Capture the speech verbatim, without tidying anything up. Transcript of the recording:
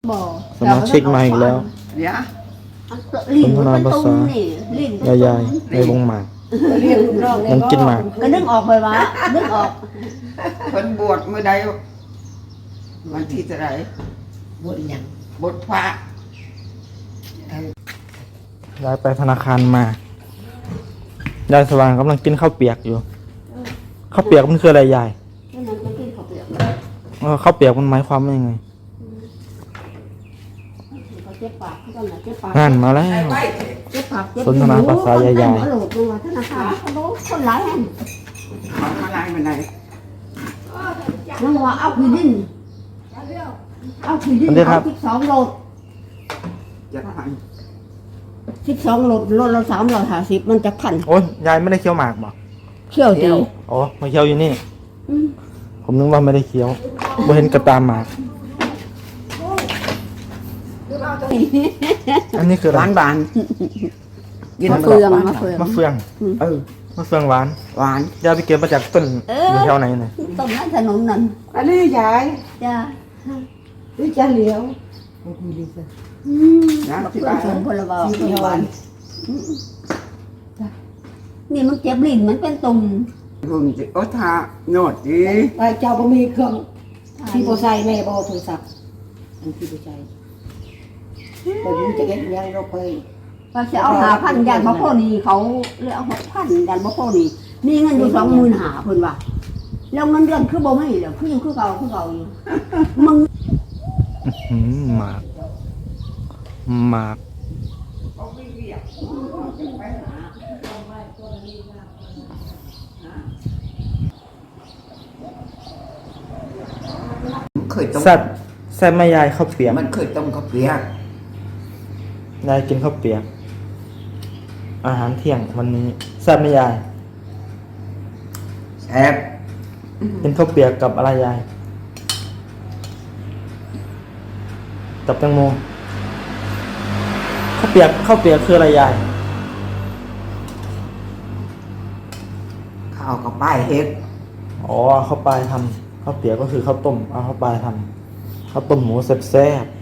สมาชิกมาอีกแล้วสนทนาภาษายายๆในวงหมากยังกินหมากก็นึกออกไปว่านึกออกคนบวชเมื่อใดวันที่เท่าไหร่บวชยังบวชพระยายไปธนาคารมา ยายสว่างกำลังกินข้าวเปียกอยู่ ข้าวเปียกมันคืออะไรยายข้าวเปียกมันหมายความว่ายังไงงานมาแล้วสนทนาภาษายายๆคนหลายแห่งมาลายมาไหนน้องว่าเอาผืนดินเอาผืนดินเอาสิบสองโลจะพันสิบสองโลโลละสามร้อยห้าสิบมันจะขันโอ้ยยายไม่ได้เคี้ยวหมากบอกเคี้ยวดีอ๋อมาเคี้ยวอยู่นี่ผมนึกว่าไม่ได้เคี้ยวบ่เห็นกระตามหมากอันนี้คือหวานบานมะเฟืองมะเฟืองมะเฟืองเออมะเฟืองหวานหวานยายไปเก็บมาจากต้นอยู่แถวไหนเนี่ยต้นนั้นถนนนั่นอันนี้ยายจ้าหรือจะเหลียวน้ำที่บ้านพลบาที่บ้านนี่มันเจ็บลิ้นมันเป็นตุ่มรุ่นจิโอทาโนดดีไอ้เจ้าบ่มีเครื่องที่บ่ใส่แม่บ่โทรศัพท์อันที่บ่ใส่บ่รู้จะเฮ็ดยังเราเคยว่าจะเอาหาพันยันบ่พอนี่เขาเรียกหกพันยันบ่พอนี่มีเงินอยู่สองหมื่นหาเพิ่นว่าแล้วเงินเดือนคือบ่มีแล้วคืออยู่คือเก่าคือเก่าอยู่มึงหมากหมากเคยต้มแซ่บแซ่บแม่ยายข้าวเปียกมันเคยต้มข้าวเปียกยายกินข้าวเปียกอาหารเที่ยงวันนี้แซ่บแม่ยายแซ่บกินข้าวเปียกกับอะไรยายกับแตงโมข้าวเปียกข้าวเปียกคืออะไรยายข้าวกับป้ายเฮ็ดอ๋อข้าวปลายทำข้าวเปียกก็คือข้าวต้มเอาข้าวปลายทำข้าวต้มหมูแซ่บ